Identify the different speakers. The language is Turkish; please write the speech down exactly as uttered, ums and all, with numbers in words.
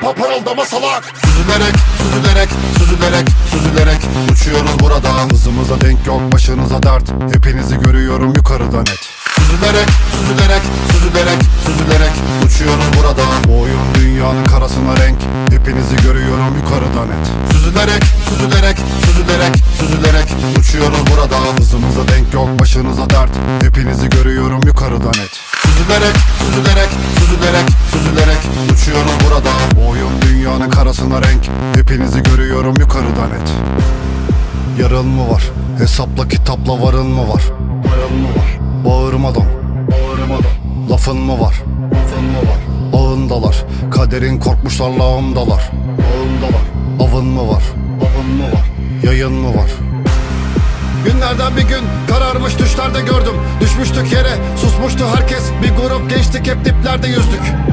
Speaker 1: parıldama salak. Süzülerek, süzülerek, süzülerek, süzülerek uçuyoruz burada. Hızımıza denk yok, başınıza dert. Hepinizi görüyorum yukarıda net. Süzülerek, süzülerek, süzülerek, süzülerek uçuyoruz burada. Bu oyun dünyanın karasına renk. Hepinizi görüyorum yukarıda net. Süzülerek, süzülerek, süzülerek, süzülerek uçuyoruz burada. Hızımıza denk yok, başınıza dert. Hepinizi görüyorum yukarıda net. Süzülerek, süzülerek, süzülerek, süzülerek uçuyoruz burada. Bu oyun dünyanın karasına renk. Hepinizi görüyorum yukarıda net. Yarın mı var? Hesapla kitapla varın mı var? Varın mı var? Bağırmadan, bağırmadan. Lafın mı var? Lafın mı var? Ağındalar, kaderin korkmuşlar lağımdalar. Ağındalar. Avın mı var? Avın mı var? Yayın mı var? Günlerden bir gün kararmış düşlerde gördüm. Düşmüştük yere, susmuştu herkes. Bir grup gençtik, hep diplerde yüzdük.